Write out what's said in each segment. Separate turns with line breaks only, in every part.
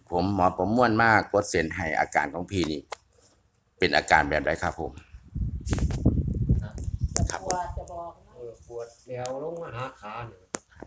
ผมหมอประมวลมากกดเส้นให้อาการของพี่นี่เป็นอาการแบบใดครับผมครับผม
จะบอกนะ
ปวดแนวลงมาหาขาเนี่ย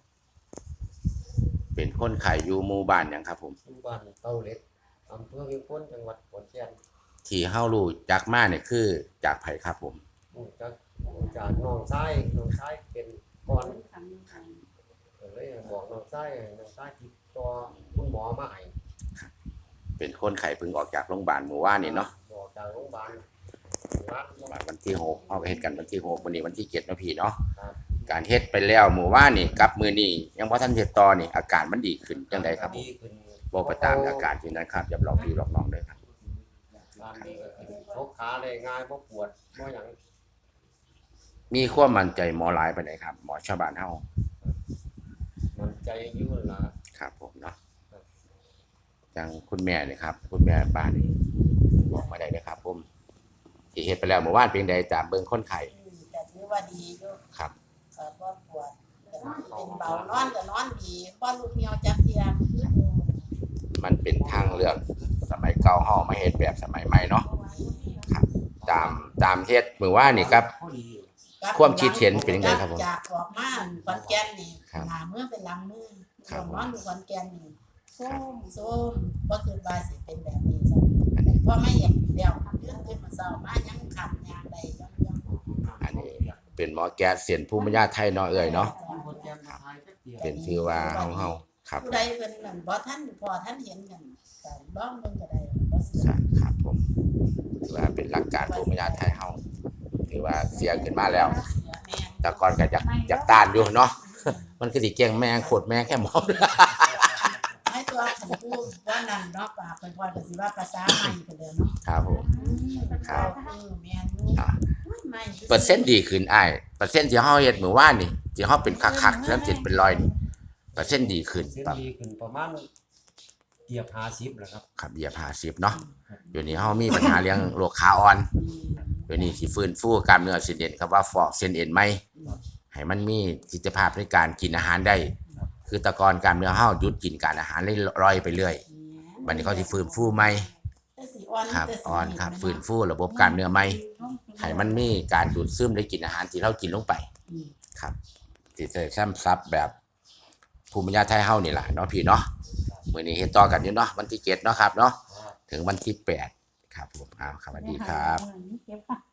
เป็นคนไข้อยู่หมู่บ้านหยังครับผม
ที่บ้านเต้าเล็กอำเภอเวียงพ้นจังหวัดขอนแก่น
ที่เฮารู้จักมาเนี่ยคือจากไผครับผม
จากน้องชายเป็นก่อนเลยบอกน้องชายติดต่อคุณหมอมาให้
เป็นคนไข้เพิ่งออกจากโรงพยาบาลเมื่อวานนี่เนาะ
บอกจากโรงพยาบาล
วันที่6เฮาก็เฮ็ดกันวันที่6วันนี้วันที่7เนาะพี่เนาะ
ครับ
การเฮ็ดไปแล้วเมื่อวานนี่กับมื้อนี้ยังบ่ทันเฮ็ดต่อนี่อาการมันดีขึ้นจังไดครับผม
ดีขึ้น
บ่ไปตามอาการที่นั้นครับอย่าหลอกพี่หลอกน้องเด้อครับ
การดีขึ้นชกขาได้ง่ายบ่ปวดบ่หยัง
มีความมั่นใจหมอหลายปานใดครับหมอชาวบ้านเฮา
มันใจอยู่ล่ะ
ครับผมเนาะจังคุณแม่นี่ครับคุณแม่บ้านนี่บอกมาได้เด้อครับผมที่เฮ็ดไปแล้วเมื่อวานเป็นใดตามเบิ่งคนไข้
แต่ถือว่าดีอยู่
ครับ
ว่าปวดเป็นเบานอนก็นอนดีบ่ลูกเหี่ยวจักเที่ย
มันเป็นทางเลือกสมัยเก่าเฮามาเฮ็ดแบบสมัยใหม่เนาะครับตามเฮ็ดมื้อวานนี่ครับ ความคิดเห็นเป็นจังไดครับผม
จากออกมาขอนแก่นนี่
ครับ
หน้ามือเป็นหลังมือ
ครับ
นอนอยู่ขอนแก่นนี่
ครับ
ส้มบ่คิดว่าสิเป็นแบบนี้ซะเพราะไม่เห็นเดียวยื่นขึ้นมาเช้ามายังขับยางได้ยัง
อันนี้เป็นหมอแก๊สเสียนภูมิปัญญาไทยเนาะเอ่ยเนาะเป็นชื่อว่าเฮาครับ
ผู้ใดเป็นนั่นบ่ท่านพอท่านเห็นกันก็ลองเบิ่งก็ได้บ่เสีย
ครับผมถือว่าเป็นหลักการภูมิปัญญาไทยเฮาถือว่าเสียขึ้นมาแล้ว แต่ก่อนก็อยากต้านอยู่เนาะ มันคือสิเก่งแม่งโคตรแม่งแค่หมอ
ให้ตัวขันพูดว่านั่นเนาะปากค่อยๆก็สิว่าภาษาใหม่ไปเลยเนาะ
ครับผม ครับ
แม่นอยู่
อ่า
ใหม่
เปอร์เซ็นต์ดีขึ้นอ้ายเปอร์เซ็นต์ที่เฮาเฮ็ดมื้อวานนี่ที่เฮาเป็นคักๆแล้วจิตเป็นรอยนี่เปอร์เซ็นต์ดีขึ้น
เส้น
ครับ
ดีขึ้นประมาณเกียบ50แหละครับ
ครับเหยียบ50เนาะเดี๋ยวนี้เฮามีปัญหาเรื่องโรคขาอ่อนเดี๋ยวนี้สิฟื้นฟูกล้ามเนื้อเส้นเอ็นครับว่าฟอกเส้นเอ็นใหม่ให้มันมีสิทธิภาพในการกินอาหารได้ คือแต่ก่อนกล้ามเนื้อเฮาหยุดกินการอาหารเลยลอยไปเรื่อยบัดนี้เขาสิฟื้นฟูใหม่ครับอ่อนครับฟื้นฟูระบบกล้ามเนื้อใหม่ให้มันมีการดูดซึมได้กินอาหารที่เรากินลงไปครับสิได้ซ้ำซับแบบภูมิปัญญาไทยเฮานี่ล่ะเนาะพี่เนาะมื้อนี้เฮ็ดต่อกันอยู่เนาะวันที่7เนาะครับเนาะถึงวันที่8ครับผมอ้าวสวัสดีครับ
เก็บ